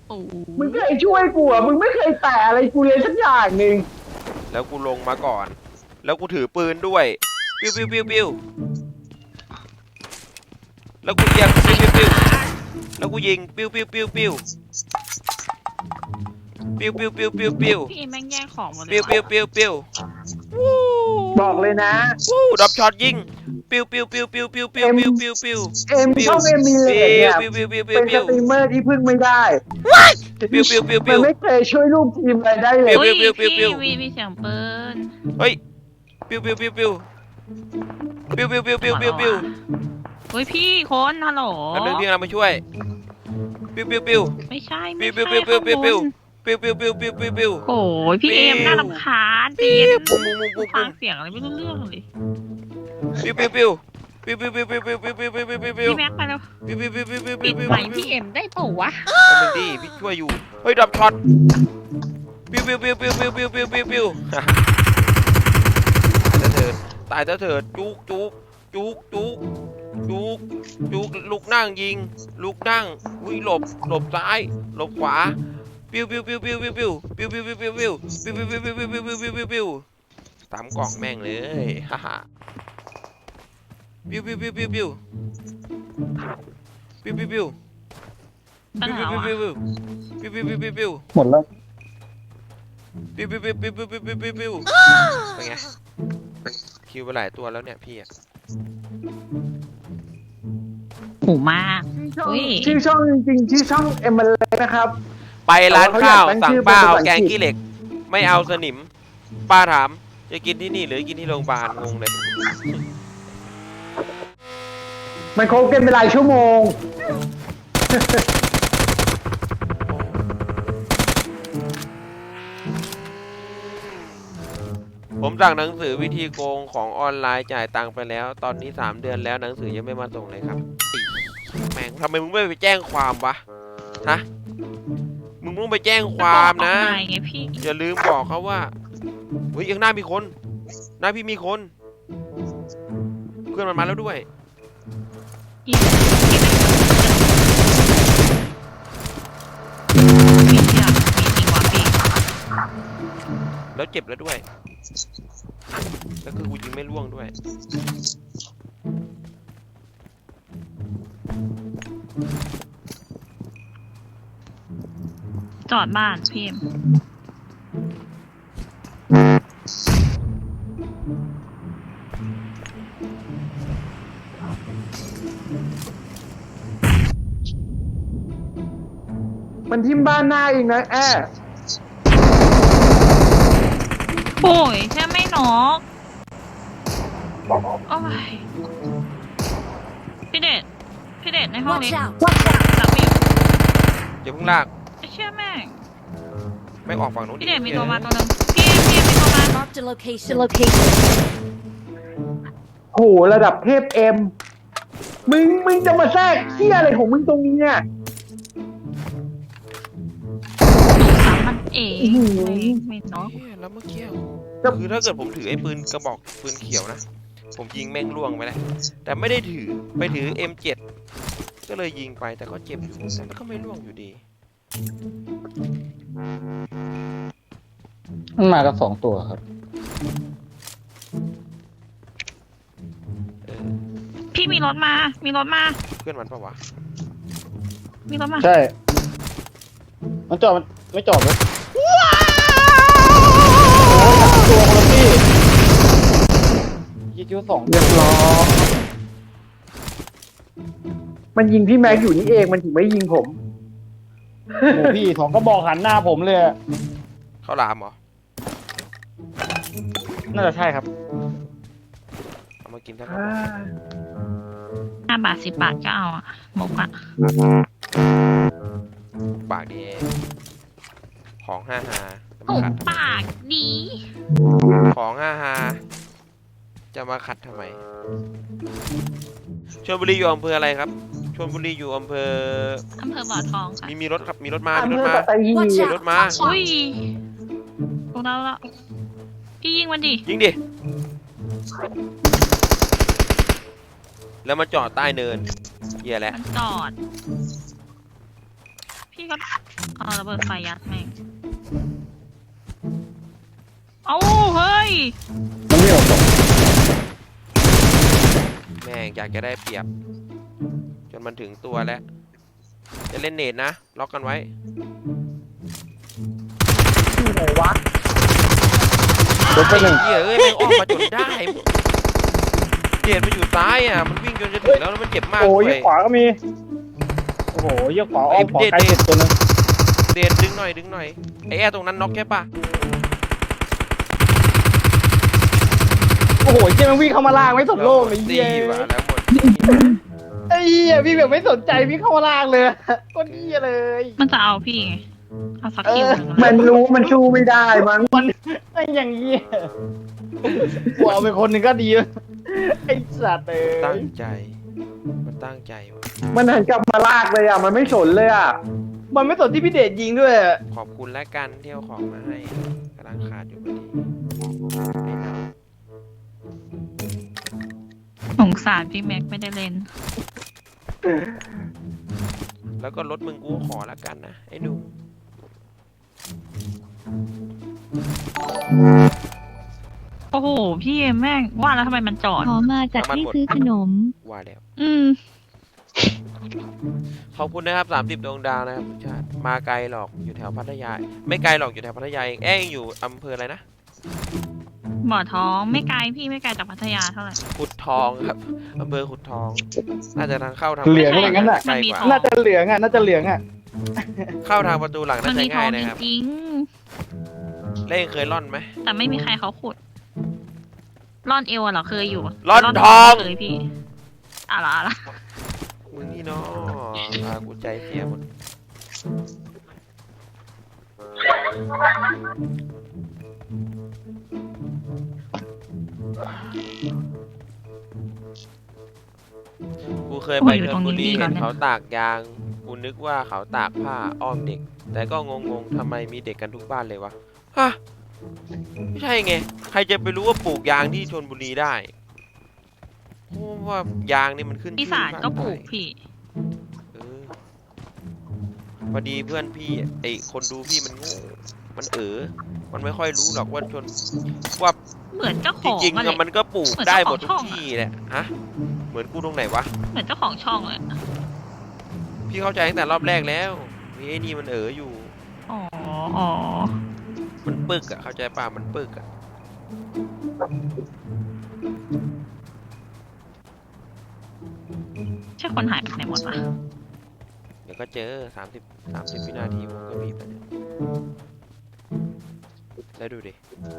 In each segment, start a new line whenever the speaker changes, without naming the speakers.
มึงเคยช่วยกูอ่ะมึงไม่เคยแตะอะไรกูเลยสักอย่างหนึ่ง
แล้วกูลงมาก่อนแล้วกูถือปืนด้วยปิ้วปิ้วปิ้วปิ้วแล้วกูยิงปิ้วปิ้วปิ้วแล้วกูยิงปิ้วปิ้วปิ้วปิ้วปิ้วปิ้วปิ้วปิ้วปิ้ว
พี่แม่งแย่งของหมดเลย
ปิ้วปิ้วปิ้วปิ้ว
บอกเลยนะ
ดับช็อตยิงปิ้วปิ้วปิ้วปิ้วปิ้วปิ้วปิ้วปิ้วปิ้ว
ช่องเอ็มมีเลยเนี่ยเป็นสตรีมเมอร์ที่พึ่งไม่ได้
ปิ้วปิ้วปิ้วปิ้ว
มันไม่เคยช่วยลูกทีมอะไรได้เลย
อุ้ยพี่มีเสียงปืน
เฮ้ยปิ้วปิ้วปิ้วปิ้วปิ้วปิ้วปิ้วปิ้วปิ้วปิ้ว
เฮ้ยพี่คนฮัลโหล
อันนึงพี่กำลังมาช่วยปิ้วปิ้วปิ้ว
ไม่ใช่
ปิ้วปิ้วปิ้วปิ้วปิ้วปิ้วปิ้วปิ้วปิ้วปิ้วปิ้วปิ้ว
โอ้ยพี่เอ็มน่ารำคาญปีนฟังเสียงอะไรไม่รู้เรื่องเลย
ปิ้วปิ้วปิ้วปิ้วปิ้วปิ้วปิ้วปิ้วปิ้วปิ้วปิ้วปิ้วปิ้ว
พี่แม็กไปแล้ว
ปิ้วปิ้วปิ้วปิ้วปิ้ว
ปิดใหม่พี่เอ็มได้ป่าวะ
มึงดิพี่ช่วยอยู่เฮ้ยดับช็อตปิ้วปิ้วปิ้วปิ้วปิ้วปิ้วปิ้วปิ้วปิ้วตายแล้วเถิดจุกจุกจุกจุกจุกจุกลุกนั่งยิงลุกนั่งวิ่งหลบซ้ายหลบขวาปิ้วปิ้วปิ้วปิ้วปิ้วปิ้วปิ้วปิ้วปิ้วปิ้วปิ้วปิ้วปิ้วปิ้วปิ้วปิ้วปิ้วปิ้วปิ้วตามกล่องแม่งเลยฮ่าฮ่าปิ้วปิ้วปิ้วปิ้วปิ้วปิ้วปิ้วปิ้ว
ปัญหาว่ะ
ปิ้วปิ้วปิ้วปิ้วปิ้ว
หมดแล้ว
ปิ้วปิ้วปิ้วปิ้วปิ้วปิ้วปิ้วปิ้วเป็นไงคิวไปหลายตัวแล้วเนี่ยพี่อะ
หูมาก
ชื่อช่องจริงๆชื่อช่องเอ็มเอลนะครับ
ไปร้านข้าวสั่งป้าเอาแกงขี้เหล็กไม่เอาสนิมป้าถามจะกินที่นี่หรือกินที่โรงพยาบาลงงเลย
มันโคกันเป็นหลายชั่วโมง
ผมสั่งหนังสือวิธีโกงของออนไลน์จ่ายตังค์ไปแล้วตอนนี้3 เดือนแล้วหนังสือยังไม่มาส่งเลยครับแม่งทำไมมึงไม่ไปแจ้งความวะฮะมึงต้องไปแจ้งความนะอย่าลืมบอกเขาว่าเฮ้ยยังหน้ามีคนหน้าพี่มีคนเพื่อนมันมาแล้วด้วยแล้วเจ็บแล้วด้วยแล้วคือกูยิงไม่ล่วงด้วย
จอดบ้านพี่เอ็ม
มันทิ่มบ้านหน้าเองนะ
โอ้ยแค่ไม่นอกโอ้ยพี่เดชในห้องนี้หลับอยู่
อย่าเพิ่งลาก
ไอ้เชื่อแม่ง
ไม่ออกฝั่งนู้น
พี่เดชมีตัวมาตัวนึงพี่มีตัวมา
location
โหระดับเทพเอ็มมึงจะมาแทรกเที่ยอะไรของมึงตรงนี้เนี่ย
มันเอ๋ไม่เนาะ
แล้วเมื่อกี้คือถ้าเกิดผมถือไอ้ปืนกระบอกปืนเขียวนะผมยิงแม่งล่วงไปแล้วแต่ไม่ได้ถือไปถือ M7 ก็เลยยิงไปแต่ก็เจ็บอยู่แต่ก็ไม่ล่วงอยู่ดี
มันมากับ2 ตัวครับ
พี่มีรถมา
เพื่อนมันปะวะ
มีรถมา
ใช่มันจอดไม่จอดเลยตัวคนละพี่ยิง2เรียบร้อยมันยิงพี่แม็กอยู่นี่เองมันถึงไม่ยิงผมโอ้พี่2ก็บอกหันหน้าผมเลย
เขาลามเหรอ
น่าจะใช่ครับ
เอามากินทั้ง
5 บาท 10 บาทก็เอาอะหมกอะ
ปากดีของ5 ฮา
ปากดี
ของ5 ฮาจะมาขัดทำไมชลบุรีอยู่อำเภออะไรครับชลบุรีอยู่อำเภอ
บ่อทองค่ะ
มีรถครับมีรถมามีรถมา
อุ้ยพวกเราละพี่ยิงมันดิ
ยิงดิแล้วมาจอดใต้เนินเหี้ยแหละ
มันจอดพี่ก็เอาระเบิดไฟยัดแม่งเอาเฮ้ย
มันไม่ออกหรอก
แม่งอยากจะได้เปรียบ จนมันถึงตัวแล้วจะเล่นเนตนะล็อกกันไว้
ที่ไหนวะ
ไอ้เหี้ยเอ้ยแม่งออกมาจนได้เดนมันอยู่ซ้ายอ่ะมันวิ่งจนจะถึงแล้วมันเจ็บมาก
โอ้ย
เลย
ขวาก็มีโอ้โหยกขวาอ้อมขวาใกล้สุดตัวนึง
เดนดึงหน่อยไอ้แอร์ตรงนั้นน็อกแค่ปะ
โอ้โหเหี้ยมันวิ่งเข้ามาล่างไม่สนโลกเลย
ตี
เหี้ย
ว่ะแล้วหมด
ไอ้เหี้ยพี่แบบไม่สนใจพี่เข้ามาล่างเลยก็เหี้ยเลย
มันจะเอาพี่ไงเอาสักคิวหนึ่ง
มันรู้มันชูไม่ได้มันไอ้อย่างเงี้ยกูเอาไปคนหนึ่งก็ดีไอ้สัตว์เอ้
ตั้
ย
งใจมันตั้งใจว่ะ
มันหันกลับมาลากเลยอ่ะมันไม่สนเลยอ่ะมันไม่สนที่พี่เดชยิงด้วย
ขอบคุณและกันที่เอาของมาให้กำลังขาดอยู่พอดีไอ้น้อง
สงสารพี่แม็กไม่ได้เล่น
แล้วก็รถมึงกูขอแล้วกันนะไอ้หนู
โอ้โหพี่แม่งว่าแล้วทำไมมันจอด
ขอมาจัดให้ซื้อขนม
ว่าแล้ว
อืม
ขอบคุณนะครับ30ดวงดาวนะครับทุกชาติมาไกลหรอกอยู่แถวพัทยาไม่ไกลหรอกอยู่แถวพัทยาเองเองอยู่อำเภออะไรนะ
บ่อท้องไม่ไกลพี่ไม่ไกลจากพัทยาเท่าไหร่
ขุดทองครับอำเภอขุดทอง น่าจะทางเข้าทาง
เหลืองอะไรงั้นน่ะ
ใกล้กว่า
น่าจะเหลืองอ่ะน่าจะเหลืองอ่ะ
เข้าทางประตูหลัง
มั
น่านจะ
มีทอ
ง่าย
ง
นะครับ
จริง
เล่นเคยร่อนไหม
ๆแต่ไม่มีใครเขาขุดร่อนเอวอะเหรอเคยอยู่
ร่อนทอง
เคยพี่อะไร
มึงนี่เนาะกูใจเสียหมดกูเคยไปชลบุรีเห็นเขาตากยางกูนึกว่าเขาตากผ้าอ้อมเด็ก แต่ก็งงๆทำไมมีเด็กกันทุกบ้านเลยวะฮะไม่ใช่ไงใครจะไปรู้ว่าปลูกยางที่ชลบุรีได้เพราะว่ายางนี่มันขึ้น
อี
ชื่อ
สานก็ปลูก
มาก
พี่
เออพอดีเพื่อนพี่ไอคนดูพี่มันโง่มันมันไม่ค่อยรู้หรอกว่าว่า
เหมือนเจ้าข
จ
อง
ริงๆ
อะ
อะ
ไร
มันก็ปลูก
เหมือน
ได้
เจ้า
หม
ขอ
ด
ง
ทุ
ช่
ก
องอะ
ที่แหละฮะเหมือนกูตรงไหนวะ
เหมือนเจ้าของช่องเลย
พี่เข้าใจตั้งแต่รอบแรกแล้วมีไอ้นี่มันอยู่
อ๋ออ๋อ
มันปึกอะเข้าใจป่ะมันปึกอะ
ใช่คนหายไปไหนหมดวะ
เดี๋ยวก็เจอ30วินาทีผมก็บีบไปเนี่ยแล้วดูดิ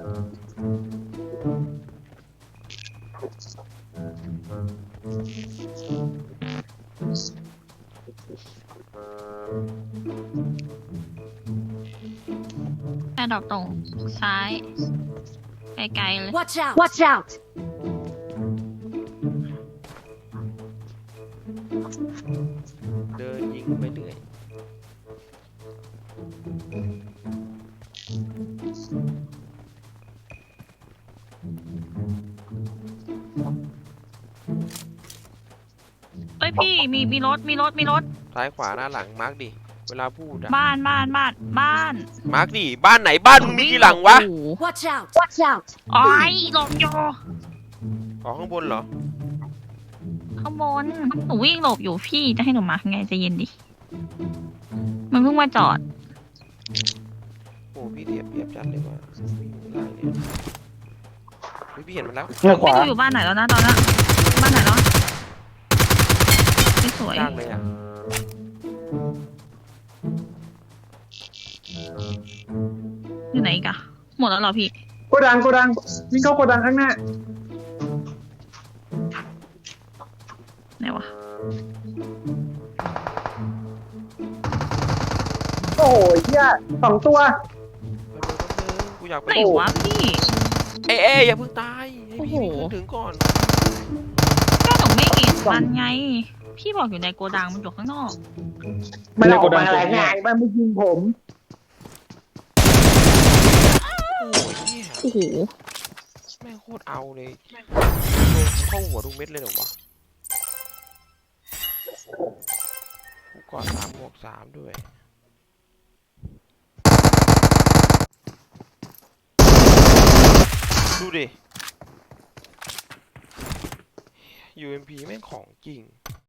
แค่ดอกตรงซ้ายไกลๆเลย
Watch out! Watch out!
เดินยิงไปเรื่อย
เอ้ยพี่มีรถ
ซ้ายขวาหน้าหลังมาร์กดิเวลาพูดอะ
บ้าน
มาร์กดิบ้านไหนบ้านมึงมีกี่หลังวะ
โอ้โห
Watch out! Watch out!
อ้อยหลบอยู่
ออกข้างบนเหรอ
ข้างบนหนูวิ่งหลบอยู่พี่จะให้หนูมาไงใจะเย็นดิมันเพิ่งมาจอด
โอ้พี่เทียบจัดเลยว่าวิ่งล่างเนี่ยเฮ้ยพี่เห็นมันแล้ว
เนี่ยข
ไม่
วา
รู้อยู่บ้านไหนแล้วนะตอนนั้นบ้านไหนแล้วไม่สวย
จ้างเลยอ่ะ
อยู่ไหนอีกอะหมดแล้วเหรอพี่
โกดังวิ่งเข้าโกดังข้างหน้า
ไหนวะ
โอ้โหเหี้ย2 ตัว
กูอยากไป
ไหนวะพี่
เอ้ยอย่าเพิ่งตายให้พี่
โอ้โห
วิ่งถึงก่อน
ก็หนูไม่เห็นมันไง พี่บอกอยู่ในโกดังมันอยู่ข้างนอก
มันออกมาอะไรง่ายมันไม่ยิงผม
โอ้ยเนี่ย
โอ้โห
แม่งโคตรเอาเลยเข้าหัวทุกเม็ดเลยเหรอวะกูกอด3 บวก 3ด้วยดูดิ UMP แม่งของจริง